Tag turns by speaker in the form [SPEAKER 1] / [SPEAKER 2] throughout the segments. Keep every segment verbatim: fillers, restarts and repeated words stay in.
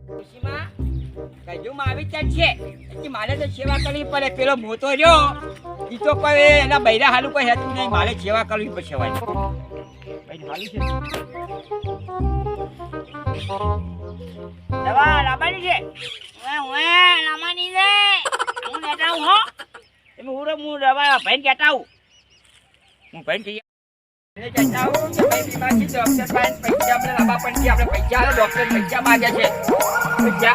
[SPEAKER 1] ખુશીમાં કજુમાં આવી જ છે એટલે મારે તો સેવા કરવી પડે. પેલો મોતો રહ્યો ઈ તો કોઈ એના બૈરા હાલું કોઈ હેતું નહીં, મારે સેવા કરવી પડશે. ભાઈ ભાઈ હાલું છે દવા લાવવાની છે. ઓએ ઓએ લાવવાની છે. હું લેતા આવું હો. તમે હું હું દવા ભાઈને કહેતા આવું. હું ભાઈને કહી એને કહેતા આવું કે ભાઈ બીમાર છે ડોક્ટર પાસે પૈસા આપણે લાવવા પણ છે. આપણે પૈસા આલો, ડોક્ટર પૈસા માંગે છે. પૈસા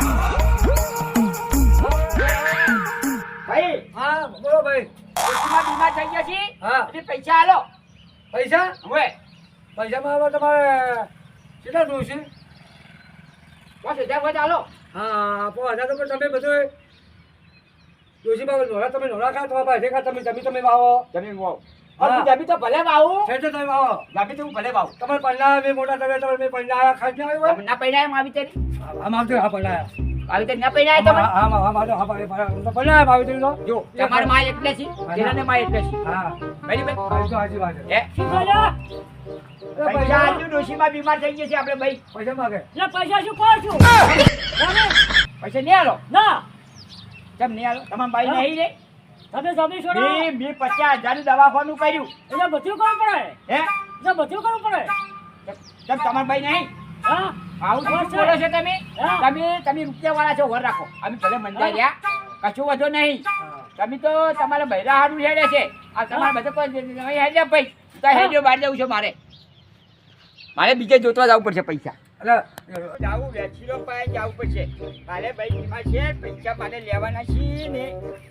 [SPEAKER 1] ભાઈ.
[SPEAKER 2] હા બોલો ભાઈ.
[SPEAKER 1] ડોક્ટરમાં બીમાર થઈ ગયા છે.
[SPEAKER 2] હા
[SPEAKER 1] એટલે પૈસા આલો.
[SPEAKER 2] પૈસા
[SPEAKER 1] હવે
[SPEAKER 2] પૈસામાં હવે તમારે કેટલા જોઈશે?
[SPEAKER 1] પાંચ હજાર વધુ આલો.
[SPEAKER 2] હા પાંચ હજાર તો પણ તમે બધું ડોશીમાં નોરા તમે નોરા ખા તમારા પાસે ખા તમે જમી તમે વાવો
[SPEAKER 1] જમીન વાવ.
[SPEAKER 2] હા.
[SPEAKER 1] હું જમી તો ભલે વાવું.
[SPEAKER 2] છે તો તમે વાવો
[SPEAKER 1] જમી તો હું ભલે વાવું.
[SPEAKER 2] તમારે પૈણા મેં મોટા તમે તમે મેં પૈણા ખાસ નહીં આવ્યો
[SPEAKER 1] તમે ના પૈણા એમ આવી તેરી
[SPEAKER 2] આમ આવતો હા પૈણા
[SPEAKER 1] આવી તેરી ના પૈણા તમે.
[SPEAKER 2] હા હા હા હા હા પૈણા આવી તો
[SPEAKER 1] જો તમાર માં એટલે છે જેનાને માં એટલે છે.
[SPEAKER 2] હા
[SPEAKER 1] બરી ભાઈ
[SPEAKER 2] ભાઈ તો હાજી વાત છે.
[SPEAKER 1] હે શું બોલ્યો? પૈસા આજુ ડોશીમાં બીમાર થઈ ગયા છે આપણે ભાઈ.
[SPEAKER 2] પૈસા માગે
[SPEAKER 3] એટલે પૈસા શું કહો છું?
[SPEAKER 1] પૈસા નહીં આલો.
[SPEAKER 3] ના
[SPEAKER 1] કેમ નહીં આલો? તમારા ભાઈ નહીં રે.
[SPEAKER 3] તમે જમી છોડો
[SPEAKER 1] મી મી પચાસ હજાર નું દવાખાનું કર્યું.
[SPEAKER 3] એટલે બધું કરવું પડે.
[SPEAKER 1] હે
[SPEAKER 3] એટલે બધું કરવું પડે.
[SPEAKER 1] કેમ તમારા ભાઈ નહીં?
[SPEAKER 3] હા
[SPEAKER 1] આવું શું બોલો છો તમે?
[SPEAKER 3] હા.
[SPEAKER 1] તમે તમે રૂપિયા વાળા છો, વર રાખો. અમે ભલે મંદા રહ્યા કશું વધો નહીં. તમે તો તમારા બૈરા હારું હેડે છે. આ તમારા બધા કોઈ નહીં હેડ્યા ભાઈ. તો હેડ્યો બહાર જવું છે મારે. મારે બીજે જોતવા જવું પડશે પૈસા.
[SPEAKER 2] એટલે
[SPEAKER 1] જાવું વેચીનો પાસે જવું પડશે. કાલે ભાઈ બીમાર છે, પૈસા મારે લેવાના છે ને.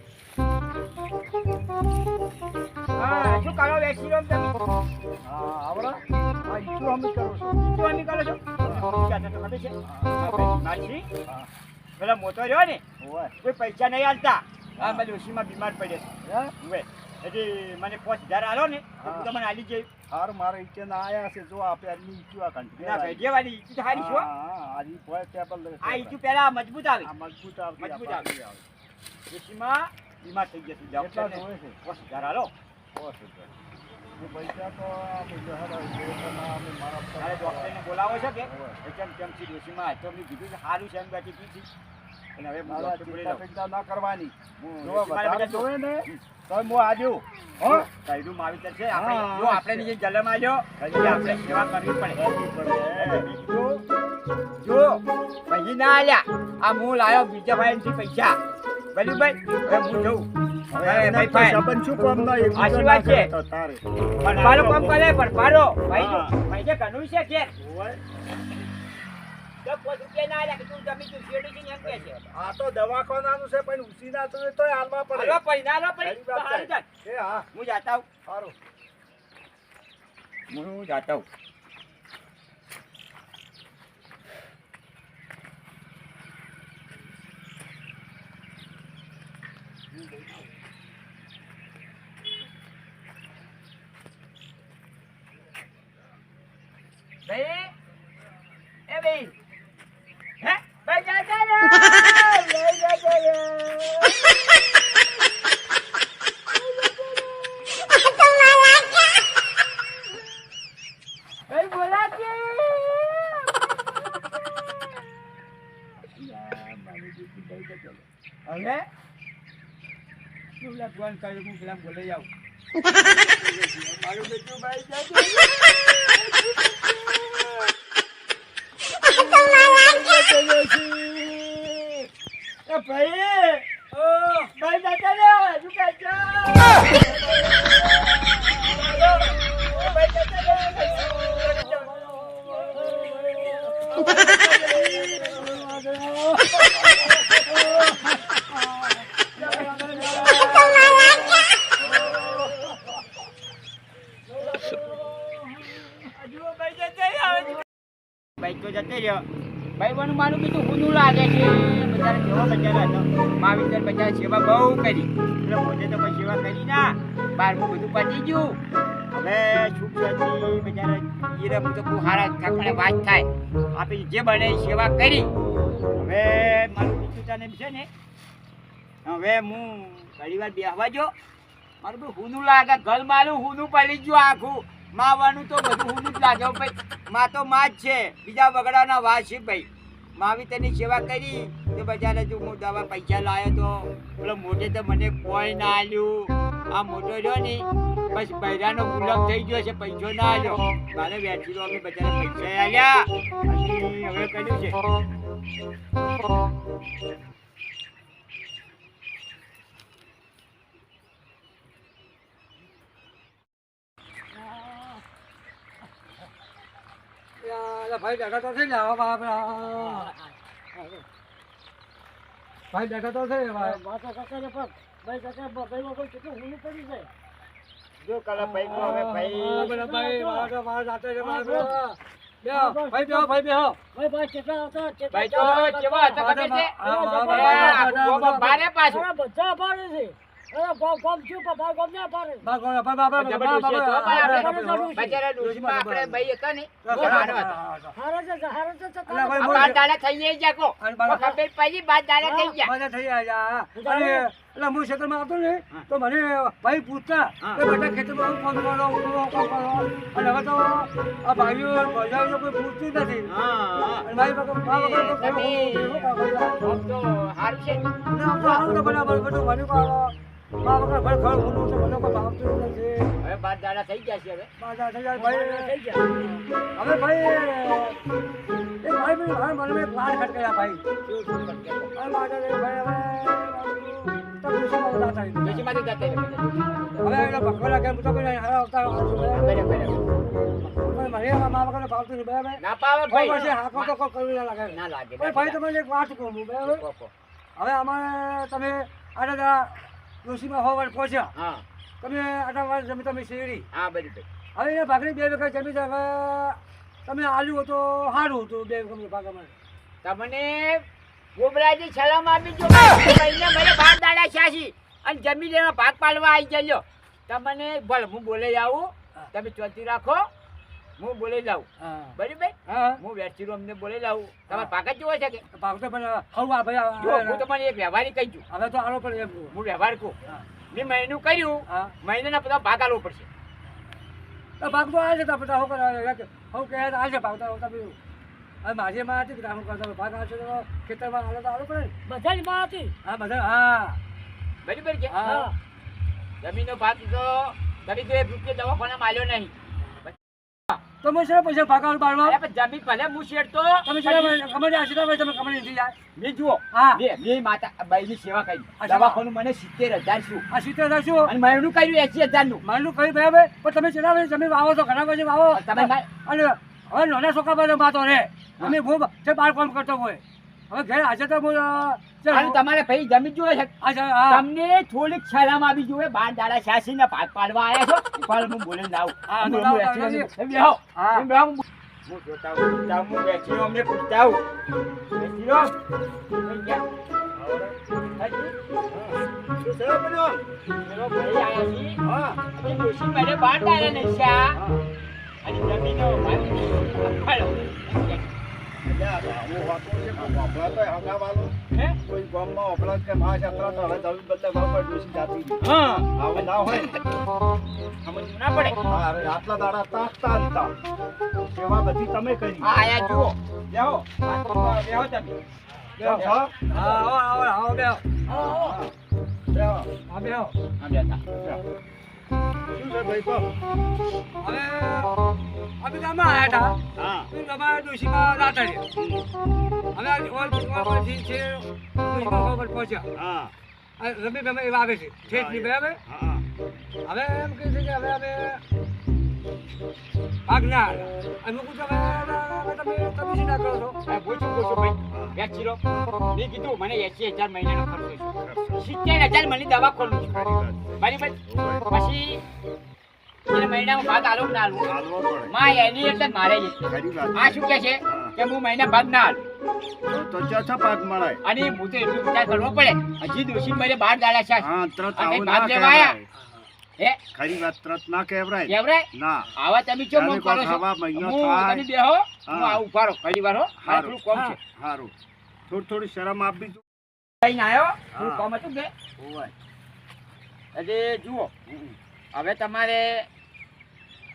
[SPEAKER 1] હા શું કરો વેચીનો તમે?
[SPEAKER 2] હા આવડા હા ઈચ્છું અમે કરું છું.
[SPEAKER 1] શું અમે કરો છો? પૈસા તો ખબર છે? હા, ભાઈ બીમાર છે. પેલા મોટો રહ્યો ને
[SPEAKER 2] ઓય
[SPEAKER 1] કોઈ પૈસા નહીં આલતા. હા મારી ડોશીમાં બીમાર પડે
[SPEAKER 2] હે
[SPEAKER 1] હવે એટલે મને પાંચ હજાર આલો ને તો
[SPEAKER 2] હા.
[SPEAKER 1] તમને આલી જઈ.
[SPEAKER 2] હાર મારે ઈચ્છે ના આયા છે જો આપે આની ઈચ્છું આ કંટ્રી
[SPEAKER 1] ના ભાઈ દેવાની ઈચ્છા તો હારી છો.
[SPEAKER 2] હા આજી પોય ટેબલ
[SPEAKER 1] આ ઈચ્છું પહેલા મજબૂત આવી.
[SPEAKER 2] આ મજબૂત આવતી
[SPEAKER 1] મજબૂત
[SPEAKER 2] આ
[SPEAKER 1] આવે.
[SPEAKER 2] પાછી આવે.
[SPEAKER 1] ડોશીમાં બીમાર થઈ જશે.
[SPEAKER 2] કેટલા
[SPEAKER 1] ડોક્ટરને
[SPEAKER 2] જોવે છે?
[SPEAKER 1] પાંચ હજાર આલો.
[SPEAKER 2] બસ એટલે. એ પૈસા તો આ પૈસા હેડા પૈસા ના અમે મારા
[SPEAKER 1] તારે ડોક્ટરને બોલાવો છો કે
[SPEAKER 2] હોવે.
[SPEAKER 1] એ કેમ કેમ છે ડોશીમાં? તો મેં કીધું કે સારું છે એમ બેઠી પીધી. અને હવે હું
[SPEAKER 2] મારા
[SPEAKER 1] ડોક્ટર બોલી
[SPEAKER 2] ચિંતા
[SPEAKER 1] લઉં.
[SPEAKER 2] ચિંતા ના કરવાની હું
[SPEAKER 1] હું
[SPEAKER 2] જો
[SPEAKER 1] મારા
[SPEAKER 2] વધારે
[SPEAKER 1] બેટા
[SPEAKER 2] જોવે ને તો હું આજો હો
[SPEAKER 1] કઈડું માવીતર છે. આપણે
[SPEAKER 2] હા,
[SPEAKER 1] જો આપણે નીચે જલમ આવ્યો એટલે આપણે સેવા કરવી પડે. જો જો પછી ના આલ્યા આ હું લાયો બીજા ભાઈથી પૈસા. બરાબર ભાઈ હવે હું જઉં. હવે ભાઈ ભાઈ
[SPEAKER 2] સંબંધ શું કામ ના એક
[SPEAKER 1] સાચી વાત છે.
[SPEAKER 2] તારે
[SPEAKER 1] ભરપારો કામ કરે ભરપારો ભાઈ
[SPEAKER 2] હા.
[SPEAKER 1] ભાઈ જે ઘણું છે કે
[SPEAKER 2] ઓય
[SPEAKER 1] દસ પાંચ રૂપિયા ના આલ્યા કે તું જમી તું શેરડી છે એમ કે છે.
[SPEAKER 2] આ તો દવાખાનાનું છે પણ ઉસી ના તો તોય હાલવા પડે
[SPEAKER 1] હાલવા પડી ના હાલવા પડી
[SPEAKER 2] ખરી
[SPEAKER 1] તો
[SPEAKER 2] વાત
[SPEAKER 1] હારી
[SPEAKER 2] છે.
[SPEAKER 1] ચાલ.
[SPEAKER 2] એ હા
[SPEAKER 1] હું જાતા હું
[SPEAKER 2] સારું
[SPEAKER 1] હું જાતા હું. ભાઈ એ ભાઈ હે ભાઈ જા જા રે ભાઈ જા જા રે ભાઈ બોલા કે હવે શું લખવાનું કર્યું હું પેલા બોલે જાઉં મારું બેટું ભાઈ જા જા એ ભાઈ ઓ ભાઈ દાદા રે હજુ કાચા ભાઈ ભાઈ તો જતે રહ્યો. ભાઈ બનું મારું બીજું ઊંધું લાગે છે. બજાર કેવો બજાર હતો. માવીતર બજાર સેવા બહુ કરી. એટલે પોતે તો કોઈ સેવા કરી ના. બારમું બધું પતી ગયું. હવે છૂટ હતી બજાર હીરે બધું બહુ સારા ઠાકોરને વાત થાય. આપણે જે બને એ સેવા કરી. હવે મારું બીજું તને છે ને હવે હું ઘણી વાર બેસવા જો મારું બધું ઊંધું લાગે. ઘર મારું ઊંધું પડી ગયું આખું. માવાનું તો બધું ઊંધું જ લાગે ભાઈ. માં તો માં જ છે. બીજા બગડાના વાત છે ભાઈ. માવીતરની સેવા કરી તો બજારે જો હું દવા પૈસા લાવ્યો તો પેલો મોટે તો મને કોઈ ના આલ્યું. આ મોટો રહ્યો ને બસ બૈરાનો ગુલામ થઈ ગયો છે, પૈસો ના આલ્યો. મારે વેચી અમે બજારે પૈસા આલ્યા અને હવે કર્યું છે.
[SPEAKER 2] યાર, ભાઈ બેઠા તો છે ને આવા બાપરા. ભાઈ બેઠા તો છે ભાઈ.
[SPEAKER 3] વાતો કાકા ને પણ ભાઈ કાકા ભાઈ વગર કેટલું ઊંઘ પડી જાય.
[SPEAKER 1] જો કલા ભાઈ કો હવે ભાઈ
[SPEAKER 2] હા, બધા ભાઈ મારા મારા સાથે છે મારા બેહો. બેહો, ભાઈ બેહો, ભાઈ બેહો.
[SPEAKER 3] ભાઈ ભાઈ કેટલા હતા કેટલા
[SPEAKER 1] ભાઈ તો કેવા હતા ખબર છે?
[SPEAKER 2] હા, હા,
[SPEAKER 1] એ
[SPEAKER 2] હા,
[SPEAKER 1] આખું ગોમાં બારે પાછું.
[SPEAKER 3] અરે બધા પાડે છે. અરે ગોમ ગોમ છું પણ ભાઈ ગોમ ના પાડે.
[SPEAKER 2] બા, બા, બા, બા, બા, બા, બા, બા, બા,
[SPEAKER 1] બજારે ડોશીમાં આપણે ભાઈ હતા ને બહુ
[SPEAKER 2] બા,
[SPEAKER 1] સારો હતો.
[SPEAKER 3] હારે છે હારે છે
[SPEAKER 2] અલા,
[SPEAKER 3] ચક્કર.
[SPEAKER 2] ભાઈ,
[SPEAKER 1] આ બાર દાડા થઈ ગયા કો
[SPEAKER 2] અને બાર-
[SPEAKER 1] ખબર પડી બાર દાડા થઈ ગયા.
[SPEAKER 2] બધા થઈ ગયા. અને એટલે હું ક્ષેત્રમાં આવતો ને તો મને ભાઈ પૂછતા કે બેટા ખેતરમાં હું કામ કરો હું કામ કરો. અને હવે તો આ ભાઈઓ ભજાઈઓ કોઈ પૂછતી જ નથી.
[SPEAKER 1] હા
[SPEAKER 2] અને ભાઈ વગર બા વગર તો
[SPEAKER 1] તમે
[SPEAKER 2] શું કામ કર્યું?
[SPEAKER 1] આમ તો સારું છે.
[SPEAKER 2] અને આમ તો આવું તો બરાબર બધું મને કહો. બા વગર ઘર ઘર ઊંડું છે મને કોઈ ભાવતું જ નથી.
[SPEAKER 1] હવે બાર દાડા થઈ ગયા છે. હવે
[SPEAKER 2] બાધા થઈ જાય ભાઈ.
[SPEAKER 3] થઈ ગયા.
[SPEAKER 2] હવે ભાઈ એ ભાઈ બી ભાઈ મને એક વાર ખટકાયા ભાઈ.
[SPEAKER 1] શું શું કરશે?
[SPEAKER 2] હવે બાધા થઈ ભાઈ હવે તો દુશ્મન બધા થઈ.
[SPEAKER 1] ડોશીમાંથી જતા રહે.
[SPEAKER 2] હવે એના ભગવાન કેમ તો કોઈ હારા અવતાર આવશે
[SPEAKER 1] બરાબર,
[SPEAKER 2] બરાબર.
[SPEAKER 1] બરાબર.
[SPEAKER 2] પણ મને એમાં મા વગર ભાવતું નહીં બરાબર.
[SPEAKER 1] ના પાવે
[SPEAKER 2] ભાઈ
[SPEAKER 1] ભાઈ.
[SPEAKER 2] પછી હાકો તો કોઈ કરવું ના લાગે.
[SPEAKER 1] ના લાગે.
[SPEAKER 2] ભાઈ ભાઈ તમને એક વાત કહું હું બરાબર.
[SPEAKER 1] કહો, કહો.
[SPEAKER 2] હવે અમારે તમે આટલા દાડા ડોશીમાં હોવા પહોંચ્યા.
[SPEAKER 1] હા
[SPEAKER 2] તમે આટલા વાર જમી તમે શેરડી.
[SPEAKER 1] હા બરાબર.
[SPEAKER 2] હવે એ ભાગની બે વીઘા જમી છે. હવે તમે આલ્યું તો સારું હતું બે વીઘા ભાગ અમારે.
[SPEAKER 1] તમને ગોબરાજી સલામ આપી જો ભાઈને મને બાર દાડા છ્યાસી અને જમીન એનો ભાગ પાડવા આવી જજો. તમને ભલે હું બોલે આવું, તમે ચોથી રાખો, હું બોલે લાવું.
[SPEAKER 2] હા
[SPEAKER 1] બરાબર?
[SPEAKER 2] હા
[SPEAKER 1] હું વેચીરો અમને બોલે લાવું. તમારે ભાગ જ જોવો છે કે
[SPEAKER 2] ભાગ તો પણ હવું આ ભાઈ
[SPEAKER 1] જો હું તમને એક વ્યવહારી કહી છું.
[SPEAKER 2] હવે તો આલો પણ એમ કહું.
[SPEAKER 1] હું વ્યવહાર કહું.
[SPEAKER 2] હા.
[SPEAKER 1] મેં મહિનું કર્યું,
[SPEAKER 2] હા
[SPEAKER 1] મહિનાના બધા ભાગ આલવો પડશે.
[SPEAKER 2] તો ભાગ તો આવે છે તો બધા હું કરવા હું કહે આવે છે ભાગ તો તમે હવે મારી માં હતી કે હું કરતા ભાગ આવશે તો ખેતરમાં હાલો તો આલો પડે ને.
[SPEAKER 3] બધાની માં હતી.
[SPEAKER 2] હા બધા હા
[SPEAKER 1] બરાબર છે?
[SPEAKER 2] હા
[SPEAKER 1] જમીનનો ભાગ તો તમે તો એક રૂપિયા દવાખાનામાં આલ્યો નહીં.
[SPEAKER 2] તો હું શું પૈસા ભાગ આલો બાળમાં
[SPEAKER 1] અરે પણ જમીન ભલે હું શેરતો
[SPEAKER 2] તમે શું કમાડી આશીર્વાદ હોય તમે કમાડી નથી જાય
[SPEAKER 1] મેં જુઓ
[SPEAKER 2] હા.
[SPEAKER 1] બે બે માતા બાઈની સેવા કરી.
[SPEAKER 2] અચ્છા.
[SPEAKER 1] દવાખાનું મને સિત્તેર હજાર શું
[SPEAKER 2] આ સિત્તેર હજાર શું
[SPEAKER 1] અને મહિનું કર્યું એસી હજાર નું.
[SPEAKER 2] મારું કઈ બરાબર પણ તમે ચેલા વાગે જમીન વાવો તો ઘણા પછી વાવો
[SPEAKER 1] તમે મા-
[SPEAKER 2] અને હવે નાના છોકરા પાસે માતો રે અમે બહુ જે બાર કામ કરતો હોય હવે ઘેર આજે તો હું અ, જે
[SPEAKER 1] અને તમારે ભાઈ જમીન જોવે છે
[SPEAKER 2] આજે હા
[SPEAKER 1] તમને થોડીક શરમ આવી જોઈએ. બાર દાડા છ્યાસી ને ભાગ પાડવા આવ્યા છો પણ હું બોલે લાવું.
[SPEAKER 2] હા,
[SPEAKER 1] હું-
[SPEAKER 2] તો
[SPEAKER 1] હું
[SPEAKER 2] લાવો,
[SPEAKER 1] વેચીને
[SPEAKER 2] લાવો.
[SPEAKER 1] તમે બેહો.
[SPEAKER 2] હા.
[SPEAKER 1] તમે બેહો. હું જોતા હું જોતા હું વેચીને અમને પૂછતા હું. વેચીનો. કઈ ગયા? હાજી?
[SPEAKER 2] શું સેવા બન્યો
[SPEAKER 1] પેલો ભાઈ આયા છી.
[SPEAKER 2] હા
[SPEAKER 1] એ ડોશી મને બાર દાડા નસ્યા. અને જમીનો ભાગ પાડો. હે?
[SPEAKER 4] કોઈ ગામમાં ઓપલા કે મા જાત્રા તો હવે જમીન બદલે ગામમાં ડોસી જાતી ગઈ.
[SPEAKER 1] હા.
[SPEAKER 4] હવે ના હોય
[SPEAKER 1] સમજ ના પડે.
[SPEAKER 4] હા, હવે આટલા દાડા તાકતા હતા સેવા બધી તમે કરી
[SPEAKER 1] આ આયા જુઓ. બેહો. આ તો બેહો તમે.
[SPEAKER 4] બેહો, હા?
[SPEAKER 2] હા આવો આવો આવો બેહો
[SPEAKER 4] બેહો.
[SPEAKER 2] હા બેહો
[SPEAKER 1] આ બેઠા.
[SPEAKER 4] શું છે ભાઈ કહો?
[SPEAKER 2] હવે અમે ગામમાં આવ્યા હતા
[SPEAKER 4] હા
[SPEAKER 2] તો તમારા ડોશીમાં રાતા રહ્યા હવે આ ઓલ ડોશીમાં પરથી છે ડોશીમાં ખબર પહોંચ્યા
[SPEAKER 4] હા
[SPEAKER 2] આ રમી રમે એવા આવે છે ઠેઠની બરાબર
[SPEAKER 4] હા
[SPEAKER 2] હવે એમ કહે છે કે હવે અમે ભાગ ના આવ્યા અને હું કહું છું, હવે હવે તમે તમે શું ના કરો છો
[SPEAKER 1] આ પૂછું પૂછું ભાઈ. વેચી લો. મેં કીધું મને એસી હજાર મહિનાનો ખર્ચો છે. સિત્તેર હજાર મને દવા ખોલું છું. બરાબર? પછી એને મહિનામાં ભાગ આલો કે ના આલો?
[SPEAKER 4] હાલવો પડે
[SPEAKER 1] માં એની એટલે મારે જ એટલે.
[SPEAKER 4] ખરી વાત
[SPEAKER 1] આ શું કે છે કે હું મહિના ભાગ ના આલું.
[SPEAKER 4] તો- તો ચોથા પાક મળે
[SPEAKER 1] અને હું તો એટલું વિચાર કરવો પડે. હજી દોશી મારે બાર દાડા છે.
[SPEAKER 4] હા ત્રત
[SPEAKER 1] અને
[SPEAKER 4] આવું
[SPEAKER 1] ભાગ
[SPEAKER 4] ના
[SPEAKER 1] લેવા આયા.
[SPEAKER 4] કહેવાય
[SPEAKER 1] હે?
[SPEAKER 4] ખરી વાત ત્રત ના કહેવાય
[SPEAKER 1] કેવરાય?
[SPEAKER 4] ના
[SPEAKER 1] આવા તમે ચો
[SPEAKER 4] ત્યારે
[SPEAKER 1] મો કરો
[SPEAKER 4] કોઈ
[SPEAKER 1] છો.
[SPEAKER 4] ખાવા મહિનો
[SPEAKER 1] હું
[SPEAKER 4] થાય.
[SPEAKER 1] તમે બેહો. હું
[SPEAKER 4] હા.
[SPEAKER 1] આવું ઉભા રહો. ઘડી વાર હો. મારે
[SPEAKER 4] હારું.
[SPEAKER 1] થોડું કોમ છે.
[SPEAKER 4] સારું થોડી થોડી શરમ આપી જો
[SPEAKER 1] કઈને આવ્યો. થોડું
[SPEAKER 4] હા.
[SPEAKER 1] કોમ હતું કે
[SPEAKER 4] હોય
[SPEAKER 1] એટલે જુઓ હવે તમારે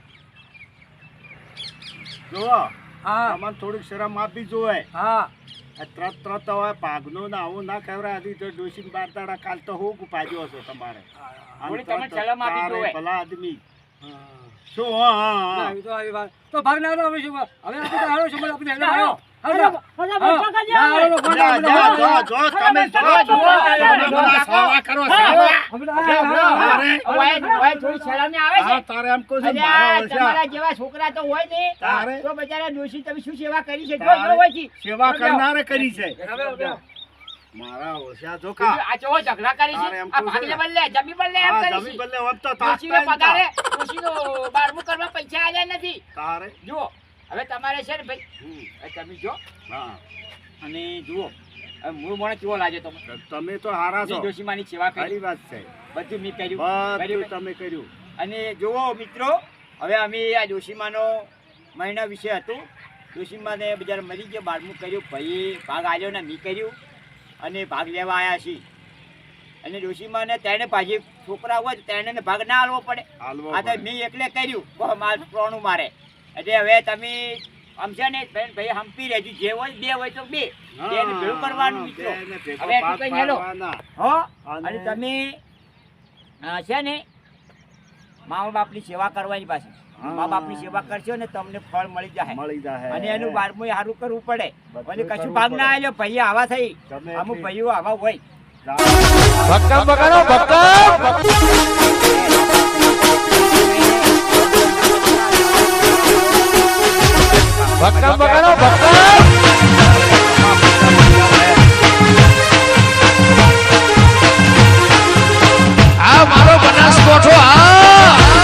[SPEAKER 4] જુઓ
[SPEAKER 2] હા
[SPEAKER 4] તમારે થોડીક શરમ આપી જોવે
[SPEAKER 2] હા
[SPEAKER 4] આ ત્રત ત્રત હવે ભાગનું ને આવું ના કહેવાય. હજી તો ડોશીને બાર દાડા કાલ તો હું ઉપાડ્યો છો તમારે. આમ
[SPEAKER 1] થોડી
[SPEAKER 4] ત્રત
[SPEAKER 1] તમે
[SPEAKER 4] ત્રત
[SPEAKER 1] સલામ આપી
[SPEAKER 4] તારે
[SPEAKER 1] જોવે.
[SPEAKER 4] ભલા આદમી
[SPEAKER 2] હા.
[SPEAKER 4] શું હા હા
[SPEAKER 2] ના,
[SPEAKER 4] હા
[SPEAKER 2] એ તો આવી વાત. તો ભાગ ના લો, હવે શું? હવે આપણે તો હારો સમય આપણે હેલો હાલો.
[SPEAKER 3] અરે,
[SPEAKER 2] હાલો.
[SPEAKER 3] અરે,
[SPEAKER 2] હા.
[SPEAKER 3] મોટા કાકા
[SPEAKER 2] ના, હાલો,
[SPEAKER 3] આવે.
[SPEAKER 2] ફોન
[SPEAKER 4] જા,
[SPEAKER 2] આપો,
[SPEAKER 4] જા,
[SPEAKER 2] હાલો.
[SPEAKER 4] જો, જો, તમે જો,
[SPEAKER 3] જુઓ,
[SPEAKER 4] જુઓ,
[SPEAKER 3] જુઓ,
[SPEAKER 4] તમે
[SPEAKER 3] જુઓ,
[SPEAKER 4] બધા સેવા કરો, સેવા.
[SPEAKER 2] આપણે આ- આ- આ-
[SPEAKER 4] અરે,
[SPEAKER 1] ઓય- ઓય થોડી શરમ આવે
[SPEAKER 4] હા,
[SPEAKER 1] છે.
[SPEAKER 4] તારે એમ કહું છું,
[SPEAKER 1] અરે
[SPEAKER 4] મારા
[SPEAKER 1] આ
[SPEAKER 4] ઓળખ્યા.
[SPEAKER 1] તમારા જેવા છોકરા તો હોય ને
[SPEAKER 4] તારે?
[SPEAKER 1] તો બચારા ડોશી તમે શું સેવા કરી છે જો
[SPEAKER 4] તારે
[SPEAKER 1] જો હોય છે.
[SPEAKER 4] સેવા કરનારે કરી છે.
[SPEAKER 2] હવે, હવે.
[SPEAKER 4] મારા ઓળખ્યા જોકા.
[SPEAKER 1] આ જો ઝઘડા કરી
[SPEAKER 4] તારે
[SPEAKER 1] છે
[SPEAKER 4] એમ
[SPEAKER 1] આ
[SPEAKER 4] કહું છું
[SPEAKER 1] ભાગલે
[SPEAKER 4] ને.
[SPEAKER 1] બદલે જમી બદલે એમ
[SPEAKER 4] હા,
[SPEAKER 1] કરી
[SPEAKER 4] જમી
[SPEAKER 1] છે.
[SPEAKER 4] બદલે હોત તો
[SPEAKER 1] ડોશીનો
[SPEAKER 4] તાત્કાલિક
[SPEAKER 1] પગારે ડોશીનો બારમું કરવા પૈસા આલ્યા નથી.
[SPEAKER 4] તારે
[SPEAKER 1] જુઓ હવે તમારે છે ને ભાઈ
[SPEAKER 4] હમ,
[SPEAKER 1] હવે તમે જો
[SPEAKER 4] હા.
[SPEAKER 1] અને જુઓ હવે મૂળ મોણે કેવો લાગે તમે
[SPEAKER 4] તમે તો હારા છો.
[SPEAKER 1] ડોશીમાની સેવા કરી
[SPEAKER 4] સારી વાત છે.
[SPEAKER 1] બધું મેં કર્યું
[SPEAKER 4] બધું
[SPEAKER 1] બરાબર?
[SPEAKER 4] તમે કર્યું.
[SPEAKER 1] અને જુઓ મિત્રો હવે અમે આ ડોશીમાનો મહિના વિશે હતું. ડોશીમાને બજાર મરી ગયો બારમું કર્યું ભાઈ ભાગ આવ્યો ને મેં કર્યું અને ભાગ લેવા આવ્યા છીએ. અને ડોશીમાને તેને પાછી છોકરા હોય તો તેને ભાગ ના આલવો પડે.
[SPEAKER 4] હાલવો
[SPEAKER 1] આ તો
[SPEAKER 4] પડે.
[SPEAKER 1] મેં એકલે કર્યું બહુ માલ પ્રોણું મારે એટલે હવે તમે આમ છે ને બેન ભાઈ હંપી રહેજો જે હોય બે હોય તો બે
[SPEAKER 4] હા,
[SPEAKER 1] બેને ભેળું કરવાનું મિત્રો.
[SPEAKER 4] બેને ભેગો
[SPEAKER 1] હવે એટલું
[SPEAKER 4] ભાગ
[SPEAKER 1] કઈ હેલો.
[SPEAKER 4] પાડવાના.
[SPEAKER 1] હો
[SPEAKER 4] અને-
[SPEAKER 1] અને તમે અ, છે ને મા બાપની સેવા કરવાની પાછી
[SPEAKER 4] હા.
[SPEAKER 1] મા બાપની સેવા કરશો ને તમને ફળ મળી જાય
[SPEAKER 4] મળી જાય.
[SPEAKER 1] અને એનું બારમું સારું કરવું પડે
[SPEAKER 4] બધું
[SPEAKER 1] અને કશું
[SPEAKER 4] કરવું
[SPEAKER 1] ભાગ ના
[SPEAKER 4] પડે.
[SPEAKER 1] આવ્યો ભાઈ આવા થઈ
[SPEAKER 4] ગમે
[SPEAKER 1] અમુક
[SPEAKER 4] એટલી-
[SPEAKER 1] ભાઈઓ આવા હોય
[SPEAKER 4] જા.
[SPEAKER 5] ભક્કમ બગાડો ભક્કમ